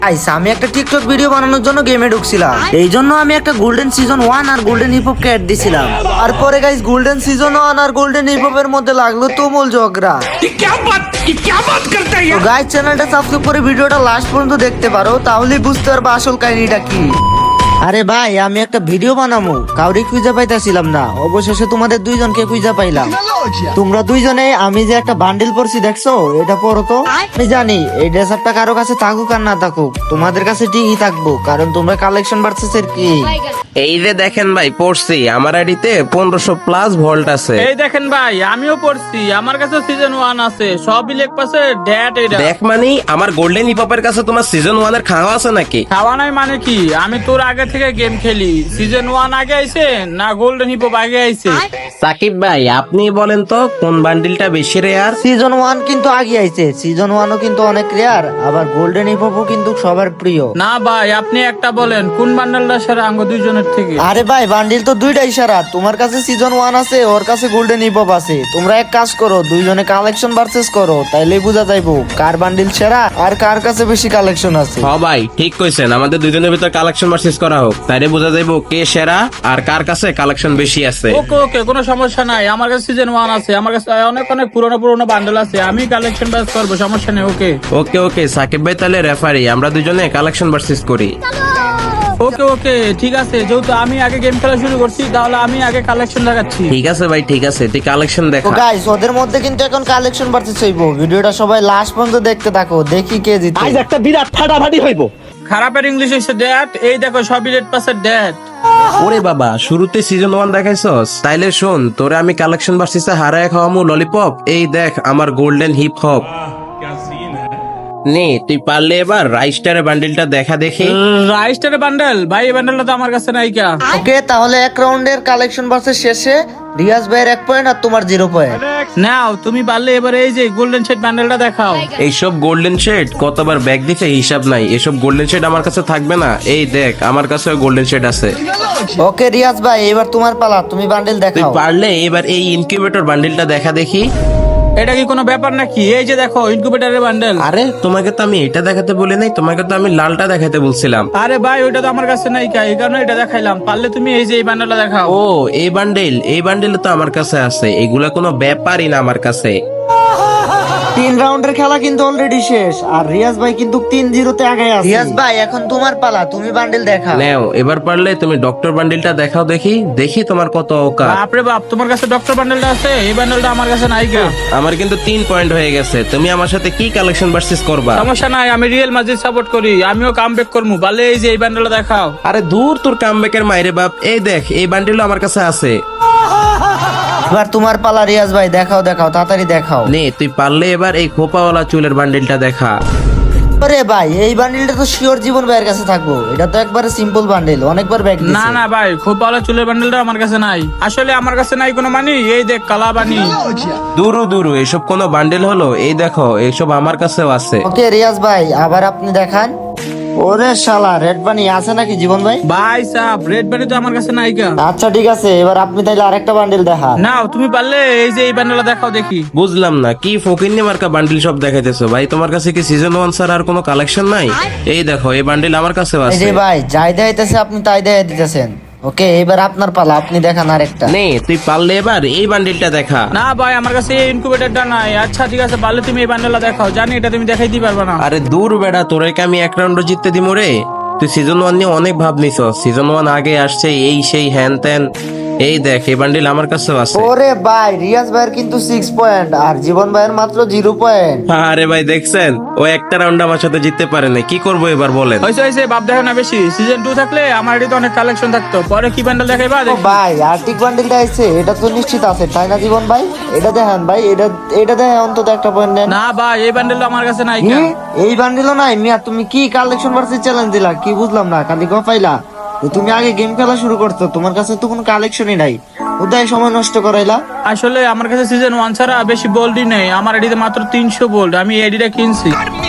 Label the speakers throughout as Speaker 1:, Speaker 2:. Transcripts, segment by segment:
Speaker 1: Guys আমি একটা TikTok video বানানোর জন্য গেমে ঢুকছিলাম, এই জন্য আমি একটা গোল্ডেন সিজন 1 আর গোল্ডেন হিপ হপকে অ্যাড দিছিলাম। তারপরে গাইস গোল্ডেন সিজন 1 আর গোল্ডেন হিপ হপের মধ্যে লাগলো তুমুল ঝগড়া। তো গাইস চ্যানেলটা সাবস্ক্রাইব করে ভিডিওটা লাস্ট পর্যন্ত দেখতে পারো, তাহলেই বুঝতে পারবে আসল কাহিনীটা কি। আরে ভাই আমি একটা ভিডিও বানাবো, কাউরি খুঁজে পাইতাছিলাম না, অবশেষে তোমাদের দুইজনকে খুঁজে পাইলাম। তোমরা দুইজনে আমি যে একটা বান্ডিল পরছি দেখছো, এটা পরো তো। আমি জানি এই ড্রেসআপটা কারো কাছে থাকুক আর না থাকুক, তোমাদের কাছে ঠিকই থাকবো, কারণ তোমরা কালেকশন ভার্সেসের কি।
Speaker 2: এই যে দেখেন ভাই পড়ছি, আমার আইডিতে 1500 প্লাস ভোল্ট আছে।
Speaker 3: এই দেখেন ভাই আমিও পড়ছি, আমার কাছে সিজন 1 আছে, সবই লেখ পাশে ড্যাট। এটা
Speaker 2: দেখ মানে আমার গোল্ডেন হিপ হপের কাছে তোমার সিজন 1 এর খাওয়া আছে নাকি?
Speaker 3: খাওয়া নাই মানে কি, আমি তোর আগে থেকে গেম খেলি। সিজন 1 আগে আইছে না গোল্ডেন হিপ হপ আগে আইছে?
Speaker 2: সাকিব ভাই আপনি বলেন তো কোন বান্ডিলটা বেশি রেয়ার?
Speaker 1: সিজন 1 কিন্তু আগে আইছে, সিজন 1ও কিন্তু অনেক রেয়ার, আবার গোল্ডেন হিপ হপও কিন্তু সবার প্রিয়।
Speaker 3: না ভাই আপনি একটা বলেন কোন বান্ডেলটা সেরা আঙ্গ দুইজনের থেকে?
Speaker 1: আরে ভাই বান্ডিল তো দুইটাই সারা, তোমার কাছে সিজন 1 আছে, ওর কাছে গোল্ডেন হিপ হপ আছে। তোমরা এক কাজ করো, দুইজনে কালেকশন ভার্সেস করো, তাইলেই বোঝা যাইবো কার বান্ডিল সেরা আর কার কাছে বেশি কালেকশন আছে।
Speaker 2: হ ভাই ঠিক কইছেন, আমাদের দুজনের ভিতর কালেকশন ভার্সেস করা হোক, তাইলে বোঝা যাইবো কে সেরা আর কার কাছে কালেকশন বেশি আছে।
Speaker 3: ওকে ওকে, কোনো সমস্যা নাই, আমার কাছে সিজন 1 আছে, আমার কাছে অনেক অনেক পুরনো বান্ডেল আছে, আমি কালেকশন ব্যাস করবো, সমস্যা নেই। ওকে
Speaker 2: ওকে ওকে সাকিব ভাই তাহলে রেফারি, আমরা দুজনে কালেকশন ভার্সেস করি।
Speaker 3: ওকে ওকে ঠিক আছে, যেহেতু আমি আগে গেম খেলা শুরু করছি তাহলে আমি আগে কালেকশন দেখাচ্ছি।
Speaker 2: ঠিক আছে ভাই ঠিক আছে, তুই কালেকশন
Speaker 1: তো
Speaker 2: দেখা।
Speaker 1: গাইস ওদের মধ্যে কিন্তু এখন কালেকশন ভার্সেস হইবো, ভিডিওটা সবাই লাস্ট পর্যন্ত দেখতে থাকো, দেখি কে জিতে।
Speaker 4: আজ একটা বিরাট ফাটাফাটি হইব।
Speaker 3: খারাপের ইংলিশ হচ্ছে ড্যাট, এই দেখো সবই রেড পাসের ড্যাট।
Speaker 2: ওরে বাবা শুরুতে সিজন 1 দেখাইছস, তাইলে শোন তোরে আমি কালেকশন ভার্সেসে হারায় খাওয়ামু ললিপপ। এই দেখ আমার গোল্ডেন হিপ হপ। নে তুই পারলে এবার রাইস্টারের বান্ডিলটা দেখা দেখি।
Speaker 3: রাইস্টারের বান্ডেল ভাই, এই বান্ডেলটা তো আমার কাছে নাই কা।
Speaker 1: ওকে তাহলে এক রাউন্ডের কালেকশন ভার্সেস শেষে রিয়াজ ভাইয়ের 1 পয়েন্ট আর তোমার 0 পয়েন্ট।
Speaker 3: নাও তুমি পারলে এবার এই যে গোল্ডেন শেড বান্ডেলটা দেখাও।
Speaker 2: এইসব গোল্ডেন শেড কতবার ব্যাগ দিতে হিসাব নাই, এসব গোল্ডেন শেড আমার কাছে থাকবে না। এই দেখ আমার কাছে গোল্ডেন শেড আছে।
Speaker 1: ওকে রিয়াজ ভাই এবার তোমার পালা, তুমি বান্ডিল
Speaker 2: তুই
Speaker 1: দেখাও।
Speaker 2: পারলে এবার এই ইনকিউবেটর বান্ডিলটা দেখা দেখি।
Speaker 3: এটা কি কোনো ব্যাপার নাকি? এই যে দেখো ইনকিউবেটরের বান্ডেল।
Speaker 2: আরে তোমাকে তো আমি এটা দেখাতে বলি নাই, তোমাকে তো আমি লালটা দেখাতে বলছিলাম।
Speaker 3: আরে ভাই ওইটা তো আমার কাছে নাই কা, এই কারণে এটা দেখাইলাম। পারলে তুমি এই যে এই বান্ডেলটা দেখাও।
Speaker 2: ও এই বান্ডেল তো আমার কাছে আছে, এগুলা কোনো ব্যাপারই না আমার কাছে।
Speaker 1: 3 রাউন্ডের খেলা কিন্তু অলরেডি শেষ, আর রিয়াজ ভাই কিন্তু 3-0 তে আগে আছে। রিয়াজ ভাই এখন তোমার পালা, তুমি বান্ডিল দেখাও।
Speaker 2: নাও এবার পারলে তুমি ডক্টর বান্ডিলটা দেখাও দেখি, দেখি তোমার কত অকাত।
Speaker 3: বাপরে বাপ, তোমার কাছে ডক্টর বান্ডেলটা আছে, এই বান্ডেলটা আমার কাছে নাই কা।
Speaker 2: আমার কিন্তু 3 পয়েন্ট হয়ে গেছে, তুমি আমার সাথে কি কালেকশন ভার্সেস করবা?
Speaker 3: সমস্যা নাই, আমি রিয়েল মাজিদ সাপোর্ট করি, আমিও কামব্যাক করবো। পারলে এই যে এই বান্ডেলটা দেখাও।
Speaker 2: আরে দূর তোর কামব্যাকের মাইরে বাপ। এই দেখ এই বান্ডিলও আমার কাছে আছে।
Speaker 1: এবার তোমার পালা রিয়াজ ভাই, দেখাও দেখাও তাড়াতাড়ি দেখাও।
Speaker 2: নে তুই পারলে এবার এই খোপাওয়ালা চুলের বান্ডিলটা দেখা।
Speaker 1: আরে ভাই এই বান্ডিলটা তো শিওর জীবন ভাইয়ের কাছে থাকবো, এটা তো একবারে সিম্পল বান্ডিল, অনেকবার ব্যাগ দিছে।
Speaker 3: না না ভাই, খুব ভালো চুলের বান্ডেলটা আমার কাছে নাই, আসলে আমার কাছে নাই কোনো মানি। এই দেখ কালা বানি।
Speaker 2: দূরু এসব কোনো বান্ডিল হলো? এই দেখো এইসব আমার কাছেও আছে।
Speaker 1: ওকে রিয়াজ ভাই আবার আপনি দেখান। ওরে শালা রেড বানি আছে নাকি জীবন ভাই?
Speaker 3: ভাই সাব রেড বানি তো আমার কাছে নাই কা।
Speaker 1: আচ্ছা ঠিক আছে, এবার আপনি তাইলে আরেকটা বান্ডিল দেখান।
Speaker 3: নাও তুমি পারলে এই যে এই বান্ডেলটা দেখাও দেখি।
Speaker 2: বুঝলাম না কি ফকিন্নি মার্কা বান্ডিল সব দেখাইতেছো ভাই, তোমার কাছে কি সিজন 1 ছাড়া আর কোনো কালেকশন নাই? এই দেখো এই বান্ডিল আমার কাছেও
Speaker 1: এই
Speaker 2: আছে।
Speaker 1: যে ভাই যাই দেখাইতেছে আপনি তাই দেখাই দিতেছেন। ওকে এবার আপনার পালা, আপনি দেখান আরেকটা।
Speaker 2: নে তুই পারলে এবার এই বান্ডিলটা দেখা।
Speaker 3: না ভাই আমার কাছে এই ইনকিউবেটরটা নাই। আচ্ছা ঠিক আছে, পারলে তুমি এই বান্ডেলটা দেখাও, জানি এটা তুমি দেখাই দিতে পারবে না।
Speaker 2: আরে দূর বেড়া, তোরে কি আমি এক রাউন্ড জিততে দিমু রে? তুই সিজন 1 নিয়ে অনেক ভাব নিছ, সিজন 1 আগে আসছে এই সেই হ্যান ত্যান। এই দেখ এই বান্ডিল আমার কাছেও আছে।
Speaker 1: ওরে ভাই রিয়াজ ভাইয়ের কিন্তু 6 পয়েন্ট আর জীবন ভাইয়ের মাত্র 0 পয়েন্ট।
Speaker 2: আরে ভাই দেখছেন ও একটা রাউন্ড আমার সাথে জিততে পারে না, কি করবো এবার বলেন?
Speaker 3: হয়েছে বাপ দেখো না বেশি। সিজন 2 থাকলে আমার এটি তো অনেক কালেকশন থাকতো। পরে কি বান্ডেল দেখাইবা
Speaker 1: ও
Speaker 3: দেখি।
Speaker 1: ভাই আর্টিক বান্ডিলটা আছে, এটা তো নিশ্চিত আছে তাই না জীবন ভাই? এটা দেখান ভাই, এটা দেখে অন্তত একটা পয়েন্ট দেন।
Speaker 3: না ভাই এই বান্ডেলটা আমার কাছে নাই
Speaker 1: কি?
Speaker 3: কা।
Speaker 1: এই বান্ডিলও নাই মিয়া? তুমি কি কালেকশন ভার্সেস চ্যালেঞ্জ দিলা? কি বুঝলাম না, খালি গফাইলা। তো তুমি আগে গেম খেলা শুরু করছো, তোমার কাছে তো কোনো কালেকশনই নাই, ওদায় সময় নষ্ট করাইলা।
Speaker 3: আসলে আমার কাছে সিজন 1 ছাড়া বেশি বোল্ডই নেই, আমার এডিতে মাত্র 300 বোল্ড, আমি এডিটা কিনছি।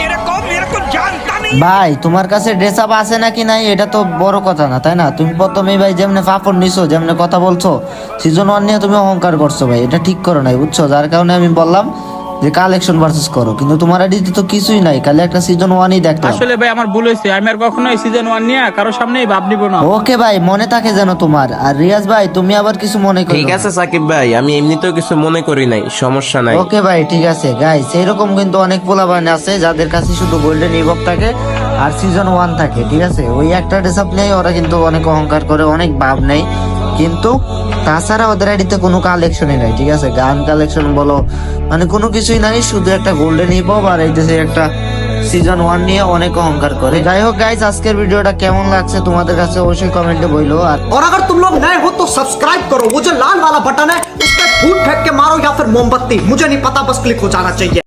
Speaker 1: ভাই তোমার কাছে ড্রেস আপ আছে নাকি নাই এটা তো বড় কথা না, তাই না? তুমি প্রথমেই ভাই যেমনে ফাফর নিছো, যেমনে কথা বলছো, সিজন 1 নিয়ে তুমি অহংকার করছো ভাই, এটা ঠিক করো নাই বুঝছো, যার কারণে আমি বললাম যে কালেকশন ভার্সেস করো, কিন্তু তোমার আইডিতে তো কিছুই নাই, খালি একটা সিজন 1ই দেখলাম।
Speaker 3: আসলে ভাই আমার ভুল হয়েছে, আমি আর কখনো সিজন 1 নিয়ে কারো সামনেই ভাব নিব না।
Speaker 1: ওকে ভাই, মনে থাকে যেন তোমার। আর রিয়াজ ভাই, তুমি আবার কিছু মনে করো
Speaker 2: ঠিক আছে সাকিব ভাই, আমি এমনিতেও কিছু মনে করি নাই, সমস্যা নাই।
Speaker 1: ওকে ভাই, ঠিক আছে গাইস। এরকম কিন্তু অনেক পোলাপান আছে যাদের কাছে শুধু গোল্ডেন ইভক থাকে আর সিজন 1 থাকে, ঠিক আছে? ওই একটা ড্রেস আপ নেই, ওরা কিন্তু অনেক অহংকার করে, অনেক ভাব নেই, কিন্তু তাছাড়া ওদের আইডিতে কোনো কালেকশনই নাই, ঠিক আছে? গান কালেকশন বলো, মানে কোনো কিছুই নাই, শুধু একটা গোল্ডেন ইভক আর এই দেশে একটা সিজন 1 নিয়ে অনেক অহংকার করে। যাই হোক গাইস, আজকের ভিডিওটা কেমন লাগছে তোমাদের কাছে অবশ্যই কমেন্টে বইলো। আর
Speaker 5: और अगर तुम लोग नए हो तो सब्सक्राइब करो, वो जो लाल वाला बटन है उस पर फूट फेंक के मारो या फिर मोमबत्ती, मुझे नहीं पता, बस क्लिक हो जाना चाहिए।